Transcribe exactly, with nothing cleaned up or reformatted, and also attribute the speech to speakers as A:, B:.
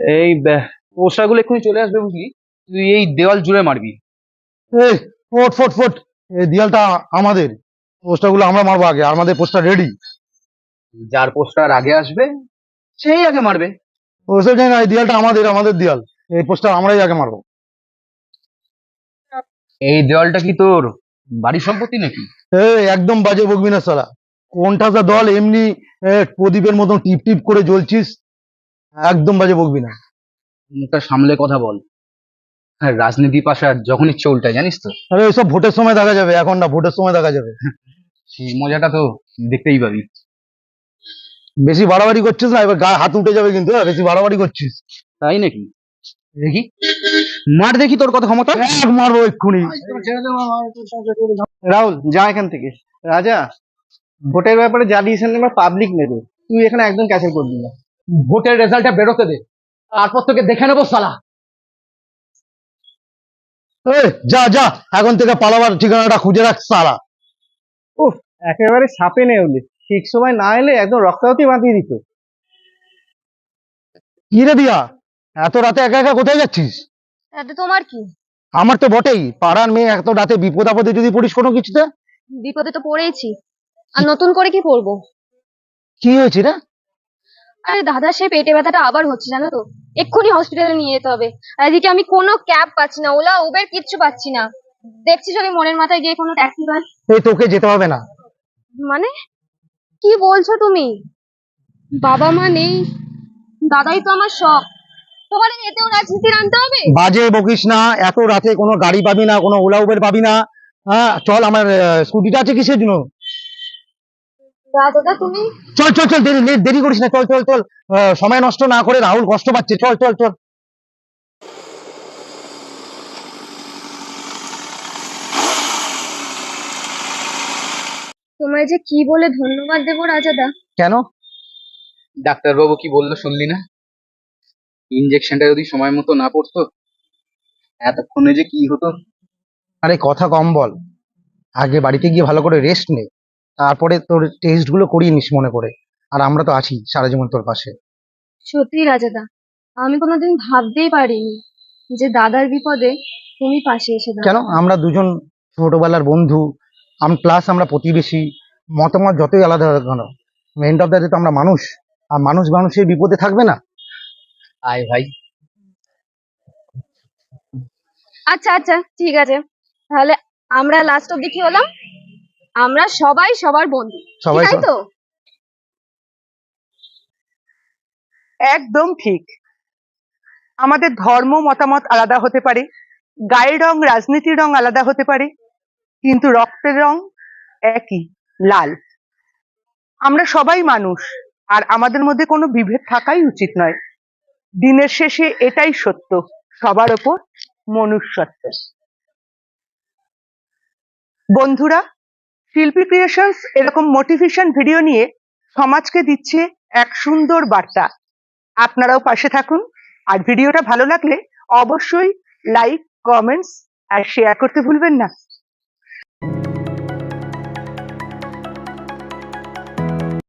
A: এই পোস্টার গুলো এক্ষুনি চলে আসবে, বুঝলি? তুই এই দেওয়াল জুড়ে মারবি।
B: এই ফোট ফোট ফোট, এই দেয়ালটা আমাদের, পোস্টার গুলো আমরা মারবো আগে, আমাদের পোস্টার রেডি।
A: যার পোস্টার আগে আসবে সেই আগে মারবে।
B: ওসব জানি না, এই দেয়ালটা আমাদের, আমাদের দেয়াল, এই পোস্টার আমরাই আগে মারবো।
A: এই দেওয়ালটা কি তোর বাড়ির সম্পত্তি নাকি?
B: এই একদম বাজে বকবি না শালা, কোনটা যা দল এমনি এ, প্রদীপের মতন টিপ টিপ করে জ্বলছিস, একদম বাজে বকবি না।
A: মুখটা সামলে কথা বল। হ্যাঁ, রাজনীতি পাশা যখন ইচ্ছে উল্টায়, জানিস তো।
B: আরে ওইসব ভোটের সময় দেখা যাবে, এখন না, ভোটের সময় দেখা যাবে।
A: সেই মজাটা তো দেখতেই পাবি।
B: বেশি বাড়াবাড়ি করছিস না, এবার গায়ে হাত উঠে যাবে কিন্তু, হ্যাঁ, বেশি বাড়াবাড়ি করছিস।
A: তাই নাকি? দেখি, মার দেখি তোর কত ক্ষমতা।
B: এক মারবো এক্ষুনি।
C: রাহুল, যা এখান থেকে। রাজা, ভোটের ব্যাপারে যা ডিসিশন নেবার পাবলিক নেবে, তুই এখানে একদম ক্যান্সেল করবি না।
A: ভোটের রেজাল্টটা বেরোতে দে, তারপর তোকে দেখে নেবো শালা।
B: এই, যা যা, এখন থেকে পালাবার ঠিকানাটা খুঁজে রাখ সারা।
C: উফ, একেবারে সাপে নেউলে, ঠিক সময় না এলে একদম রক্তাহতি বাঁধিয়ে দিত।
B: কি রে দিয়া, এত রাতে একা একা কোথায় যাচ্ছিস?
D: তাতে তোমার কি?
B: আমার তো বটেই, পাড়ার মেয়ে এত রাতে বিপদ আপদে যদি পড়িস কোনো কিছুতে।
D: বিপদে তো পড়েইছি, আর নতুন করে কি পড়বো?
B: কি হয়েছে রে?
D: আরে দাদা, সেই পেটে ব্যথাটা আবার হচ্ছে, জানো তো। এক্ষুনি হসপিটালে নিয়ে যেতে হবে। আর এদিকে আমি কোনো ক্যাব পাচ্ছি না, ওলা উবের কিচ্ছু পাচ্ছি না। দেখছি যদি মনের মাথায় গিয়ে কোনো ট্যাক্সি পাই।
B: এই তোকে যেতে হবে না।
D: মানে কি বলছো তুমি? বাবা মা নেই, দাদাই তো আমার সব। তোমার এতেও রাজনীতি আনতে হবে?
B: বাজে বকিস না, এত রাতে কোনো গাড়ি পাবি না, কোনো ওলা উবের পাবি না। হ্যাঁ চল, আমার আহ, স্কুটিটা আছে কিসের জন্য।
D: দাদা তুমি।
B: চল চল চল, দেরি লে- দেরি করিস না, চল চল চল। আহ, সময় নষ্ট না করে, রাহুল কষ্ট পাচ্ছে, চল চল চল।
D: তোমায় যে কি বলে ধন্যবাদ দেবো রাজাদা।
B: কেন?
A: ডাক্তারবাবু কি বললো শুনলি না? ইনজেকশনটা যদি সময় মতো না পড়তো, এতক্ষণে যে কি হতো।
B: আরে কথা কম বল, আগে বাড়িতে গিয়ে ভালো করে রেস্ট নে, তারপরে তোর টেস্ট গুলো করিয়ে নিস মনে করে। আর আমরা তো আছি সারা জীবন তোর পাশে।
D: সত্যি রাজাদা, আমি কোনোদিন ভাবতেই পারিনি যে দাদার বিপদে তুমি পাশে এসে
B: কেন,
D: দাঁড়াবে।
B: আমরা দুজন ছোটবেলার বন্ধু, আম প্লাস আমরা প্রতিবেশী, মতামত যতই আলাদা হোক কেন, এন্ড অফ দ্য ডে তো আমরা মানুষ, আর মানুষ মানুষের বিপদে থাকবে না।
A: আয় ভাই।
D: আচ্ছা আচ্ছা, ঠিক আছে। তাহলে আমরা লাস্ট অব্দি কি হলাম? আমরা সবাই সবার বন্ধু,
B: সবাই
D: তাই
B: সব-
D: তো?
E: একদম ঠিক। আমাদের ধর্ম মতামত আলাদা হতে পারে, গায়ের রং রাজনীতির রং আলাদা হতে পারে, কিন্তু রক্তের রং একই, লাল। আমরা সবাই মানুষ, আর আমাদের মধ্যে কোনো বিভেদ থাকাই উচিত নয়। দিনের শেষে এটাই সত্য, সবার ওপর মনুষ্যত্ব। বন্ধুরা, শিল্পী ক্রিয়েশনস এরকম মোটিভেশন ভিডিও নিয়ে সমাজকে দিচ্ছে এক সুন্দর বার্তা। আপনারাও পাশে থাকুন, আর ভিডিওটা ভালো লাগলে অবশ্যই লাইক, কমেন্টস আর শেয়ার করতে ভুলবেন না।